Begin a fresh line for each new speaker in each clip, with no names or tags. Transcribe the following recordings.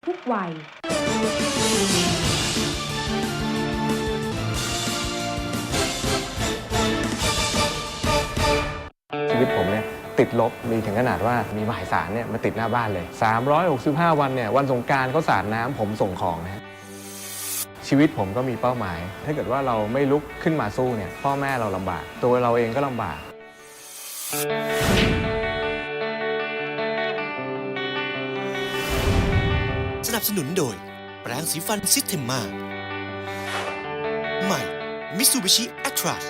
ทุกวัย
ชีวิตผมเนี่ยติดลบมีถึงขนาดว่ามีหมายสารเนี่ยมาติดหน้าบ้านเลย365วันเนี่ยวันสงกรานต์เขาสาดน้ำผมส่งของนะชีวิตผมก็มีเป้าหมายถ้าเกิดว่าเราไม่ลุกขึ้นมาสู้เนี่ยพ่อแม่เราลำบากตัวเราเองก็ลำบาก
สนับสนุนโดยแปรงสีฟันซิสเทมมาใหม่มิตซูบิชิแอตราส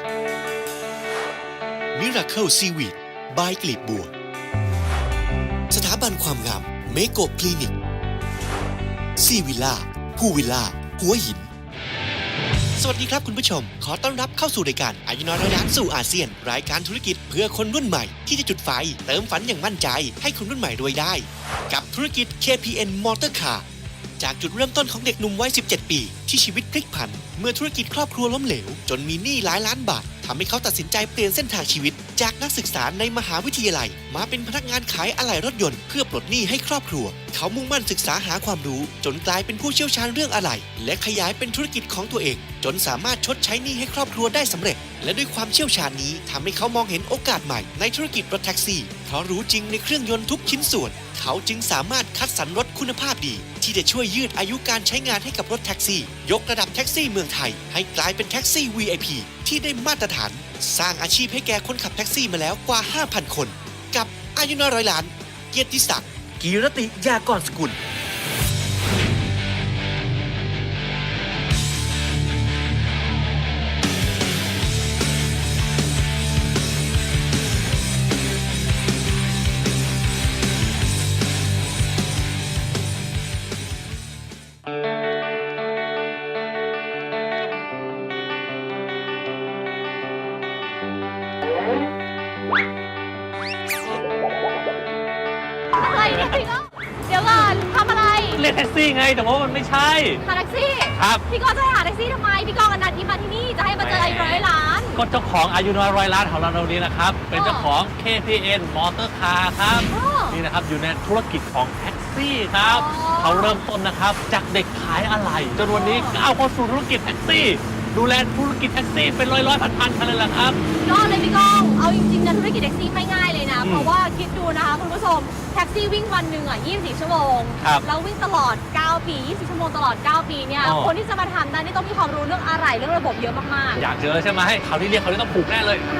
มิราเคิลซีวีดบายกลีบบัวสถาบันความงามเมโกคลินิกซีวิลล่าผู้วิลล่าหัวหินสวัสดีครับคุณผู้ชมขอต้อนรับเข้าสู่รายการอายุน้อยร้อยล้านสู่อาเซียนรายการธุรกิจเพื่อคนรุ่นใหม่ที่จะจุดไฟเติมฝันอย่างมั่นใจให้คนรุ่นใหม่รวยได้กับธุรกิจ KPN Motor Car จากจุดเริ่มต้นของเด็กหนุ่มวัย 17 ปีที่ชีวิตพลิกผันเมื่อธุรกิจครอบครัวล้มเหลวจนมีหนี้หลายล้านบาททำให้เขาตัดสินใจเปลี่ยนเส้นทางชีวิตจากนักศึกษาในมหาวิทยาลัยมาเป็นพนักงานขายอะไหล่รถยนต์เพื่อปลดหนี้ให้ครอบครัวเขามุ่งมั่นศึกษาหาความรู้จนกลายเป็นผู้เชี่ยวชาญเรื่องอะไหล่และขยายเป็นธุรกิจของตัวเองจนสามารถชดใช้หนี้ให้ครอบครัวได้สำเร็จและด้วยความเชี่ยวชาญนี้ทำให้เขามองเห็นโอกาสใหม่ในธุรกิจรถแท็กซี่เพราะรู้จริงในเครื่องยนต์ทุกชิ้นส่วนเขาจึงสามารถคัดสรรรถคุณภาพดีที่จะช่วยยืดอายุการใช้งานให้กับรถแท็กซี่ยกระดับแท็กซี่เมืองไทยให้กลายเป็นแท็กซี่ VIP ที่ได้มาตรฐานสร้างอาชีพให้แก่คนขับแท็กซี่มาแล้วกว่า 5,000 คนกับอายุน้อยร้อยล้านเกียรติศักดิ์กีรติยากรสกุล
อะไรเนี่ยพี่ก็เดี๋ยวก่อนทำอะไร
เรียกแท็กซี่ไงแต่ว่ามันไม่ใช่
หาแท็กซี่
ครับ
พี่ก็จะให้หาแท็กซี่ทำไมพี่กองอนันต์ที่มาที่นี่จะให้มาเจอไอ้ร้อยล้าน
ก็เจ้าของอายุน้อยร้อยล้านของเรานี้นะครับเป็นเจ้าของ KPN Motor Car ครับนี่นะครับอยู่ในธุรกิจของแท็กซี่ครับเขาเริ่มต้นนะครับจากเด็กขายอะไหล่จนวันนี้ก้าวเข้าสู่ธุรกิจแท็กซี่ดูแลธุรกิจแท็กซี่เป็นร้อยพันคันเลยล่ะครับ
ยอดเลยพี่กองเอาจริงๆนะธุรกิจแท็กซี่ไม่ง่ายเลยนะเพราะว่าคิดดูนะคะคุณผู้ชมแท็กซี่วิ่งวันหนึ่ง24 ชั่วโมงแล้ววิ่งตลอด9ปี24 ชั่วโมงตลอด9ปีเนี่ยคนที่จะมาทำได้นี่ต้องมีความรู้เรื่องอะไรเรื่องระบบเยอะมาก
ๆอยากเจอใช่ไหมเขาที่เรียกเขาที่ต้องผูกแน่เลย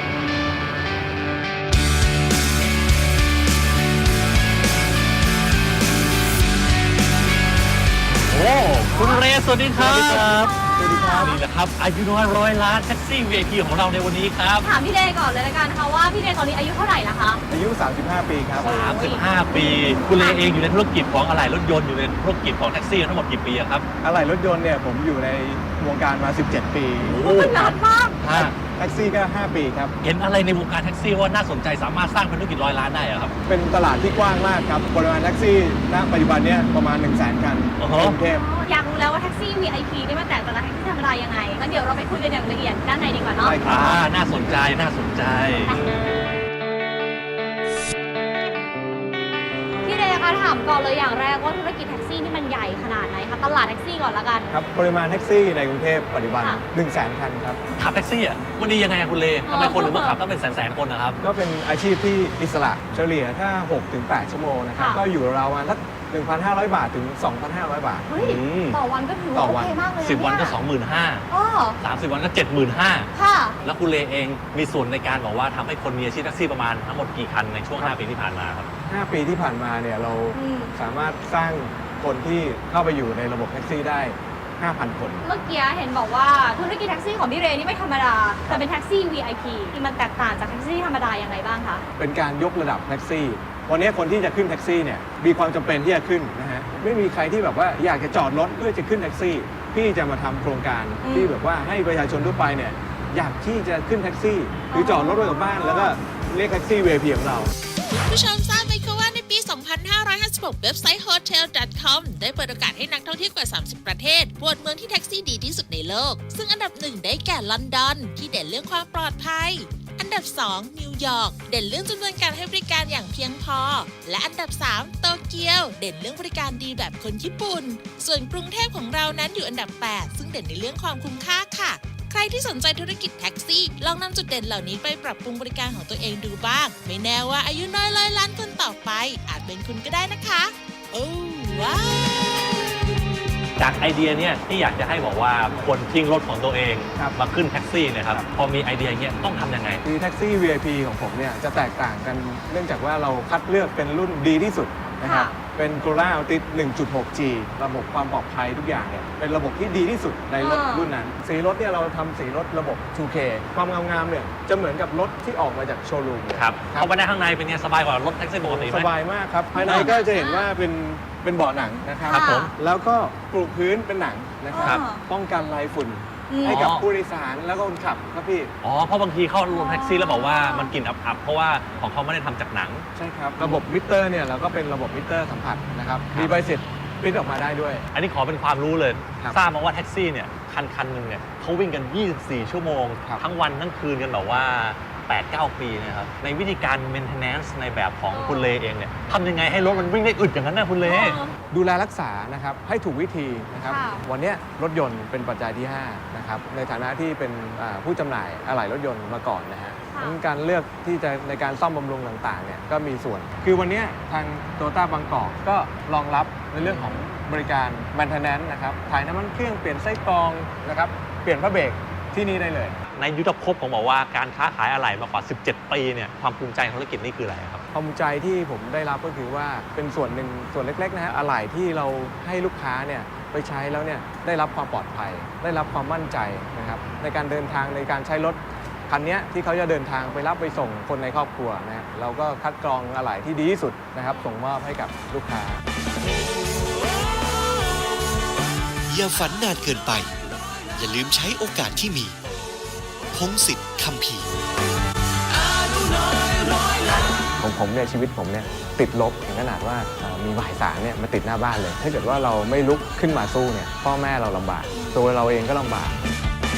โอ้คุณเรสวัสดีครับสวัสดีครับนี่แหละครับอายุน้อยร้อยล้านแท็กซี่ VIP ของเราในวันนี้ครับ
ถามพี่เรก่อนเลยละกันค่ะว่าพี่เรตอนนี้อายุเท่าไหร่นะคะ
อายุ35 ปีครับ
35 ปีคุณเรเองอยู่ในธุรกิจของอะไหล่รถยนต์อยู่ในธุรกิจของแท็กซี่ทั้งหมดกี่ปีครับ
อะไหล่รถยนต์เนี่ยผมอยู่ในวงการมา17 ปี
โอ้นานมาก
แท็กซี่ก็5 ปีครับ
เห็นอะไรในวงการแท็กซี่ว่าน่าสนใจสามารถสร้างเป็นธุรกิจ100 ล้านได้ครับ
เป็นตลาดที่กว้างมากครับปริมาณแท็กซี่ณปัจจุบันเนี่ยประมาณ 100,000 คันในกรุงเทพ
อยากรู้แล้วว่าแท็กซี่ VIP นี่มันแตกต่างจากแท็กซี่ธรรมดายังไงงั้นเดี๋ยวเราไปคุยกันอย่างละเอียดด้านในดีกว่าเนาะ
น่าสนใจ
พี่เรคะถามก่อนเลยอย่างแรกว่าธุรกิจแท็กซี่นี่มันใหญ่ขนาดไหนคะตลาดแท็กซี่ก่อนละกัน
ครับปริมาณแท็กซี่ในกรุงเทพปัจจุบัน 100,000 คันครับ
ขับแท็กซี่วันนี้ยังไงคุณเลทำไมคนถึงมาขับต้องเป็นแสนคนนะครับ
ก็เป็นอาชีพที่อิสระเฉลี่ยถ้า 6-8 ชั่วโมงนะครับก็อยู่ราวๆสัก1,500 บาทถึง 2,500 บาท
ต่อวันก็ถือว่าโอเคมากเลย
10 วันก็ 25,000 30 วันก็ 75,000
ค่ะ
แล้วคุณเลเองมีส่วนในการบอกว่าทำให้คนมีอาชีพแท็กซี่ประมาณทั้งหมดกี่คันในช่วง5 ปีที่ผ่านมาครับ
5 ปีที่ผ่านมาเนี่ยเราสามารถสร้างคนที่เข้าไปอยู่ในระบบแท็กซี่ได้ 5,000 คน
เมื่อกี้เห็นบอกว่าธุรกิจแท็กซี่ของพี่เรนี่ไม่ธรรมดาแต่เป็นแท็กซี่ VIP ที่มันแตกต่างจากแท็กซี่ธรรมดาอย่างไรบ้างคะ
เป็นการยกระดับแท็กซี่วันนี้คนที่จะขึ้นแท็กซี่เนี่ยมีความจำเป็นที่จะขึ้นนะฮะไม่มีใครที่แบบว่าอยากจะจอดรถเพื่อจะขึ้นแท็กซี่พี่จะมาทำโครงการที่แบบว่าให้ประชาชนทั่วไปเนี่ยอยากที่จะขึ้นแท็กซี่หรือจอดรถไว้กับบ้านแล้วก็เรียกแท็กซี่ VIP ของเรา
ผู้ชมทราบไหมคะว่าในปี 2556 เว็บไซต์ hotel.com ได้เปิดโอกาสให้นักท่องเที่ยวกว่า 30 ประเทศโหวตเมืองที่แท็กซี่ดีที่สุดในโลกซึ่งอันดับ1ได้แก่ลอนดอนที่เด่นเรื่องความปลอดภัยอันดับ2นิวยอร์กเด่นเรื่องจำนวนการให้บริการอย่างเพียงพอและอันดับ3โตเกียวเด่นเรื่องบริการดีแบบคนญี่ปุ่นส่วนกรุงเทพของเรานั้นอยู่อันดับ8ซึ่งเด่นในเรื่องความคุ้มค่าค่ะใครที่สนใจธุรกิจแท็กซี่ลองนำจุดเด่นเหล่านี้ไปปรับปรุงบริการของตัวเองดูบ้างไม่แน่ว่าอายุน้อยร้อยล้านคนต่อไปอาจเป็นคุณก็ได้นะคะโอ้ว้าว
จากไอเดียเนี่ยที่อยากจะให้บอกว่าคนทิ้งรถของตัวเอง
ครับ
มาขึ้นแท็กซี่เนะครับพอมีไอเดียเงี้ยต้องทำยังไง
คือแท็กซี่ VIP ของผมเนี่ยจะแตกต่างกันเนื่องจากว่าเราคัดเลือกเป็นรุ่นดีที่สุดนะครับ
ค่ะ
เป็น Corolla Altis 1.6G ระบบความปลอดภัยทุกอย่างเนี่ยเป็นระบบที่ดีที่สุดในรถรุ่นนั้น สีรถเนี่ยเราทำสีรถระบบ 2K ความงามๆเนี่ยจะเหมือนกับรถที่ออกมาจากโชว์รูมเลย
ครับเข้าไปได้ข้างในเป็นไงสบายกว่ารถแท็กซี่ปกติไหม
สบายมากครับ ภายในก็จะเห็นว่าเป็นเบาะหนังนะครับ
ครับผม
แล้วก็ปลูกพื้นเป็นหนังนะครับ
ครับ
ป้องกันลายฝุ่น
อืม
ให้กับผู้โดยสารแล้วก็คนขับครับพี่
อ๋อเพราะบางทีเข้ารถแท็กซี่แล้วบอกว่ามันกลิ่นอับๆเพราะว่าของเขาไม่ได้ทำจากหนัง
ใช่ครับ ระบบมิเตอร์เนี่ยเราก็เป็นระบบมิเตอร์สัมผัสนะครับ
ครับ
มีใบเสร็จปริ้นออกมาได้ด้วย
อันนี้ขอเป็นความรู้เลย
ครับ
ทราบมาว่าแท็กซี่เนี่ยคันหนึ่งเนี่ยเขาวิ่งกัน 24 ชั่วโมง
ครับ
ทั้งวันทั้งคืนกันแบบว่า 8-9 ปีนะครับในวิธีการ maintenance ในแบบของคุณเลเองเนี่ยทำยังไงให้รถมันวิ่งได้อึดอย่างนั้นนะคุณเล
ดูแลรักษานะครับให้ถูกวิธีนะครับ
ค่ะ
วันเนี้ยรถยนต์เป็นปัจจัยที่5นะครับในฐานะที่เป็นผู้จำหน่ายอะไหล่รถยนต์มาก่อนนะฮะ
ค่ะ
งั้นการเลือกที่จะในการซ่อมบำรุงต่างๆเนี่ยก็มีส่วน คือวันเนี้ยทางโตต้าบางกอกก็รองรับในเรื่องของบริการ maintenance นะครับถ่ายน้ำมันเครื่องเปลี่ยนไส้กรองนะครับเปลี่ยนพระเบรกที่นี่ได้เลย
ในยุทธภพผมบอกว่าการค้าขายอะไหล่มากว่า 17 ปีเนี่ยความภูมิใจของธุรกิจนี่คืออะไรครับ
ความภูมิใจที่ผมได้รับก็คือว่าเป็นส่วนหนึ่งส่วนเล็กๆนะฮะอะไหล่ที่เราให้ลูกค้าเนี่ยไปใช้แล้วเนี่ยได้รับความปลอดภัย ได้รับความมั่นใจนะครับในการเดินทางในการใช้รถคันนี้ที่เขาจะเดินทางไปรับไปส่งคนในครอบครัวนะครับเราก็คัดกรองอะไหล่ที่ดีที่สุดนะครับส่งมอบให้กับลูกค้า
อย่าฝันนานเกินไป อย่าลืมใช้โอกาสที่มี พงศิษฐ์คัมภีร์
ของผมเนี่ยชีวิตผมเนี่ยติดลบถึงขนาดว่ามีหมายสารเนี่ยมาติดหน้าบ้านเลย ถ้าเกิดว่าเราไม่ลุกขึ้นมาสู้เนี่ยพ่อแม่เราลำบากตัวเราเองก็ลำบาก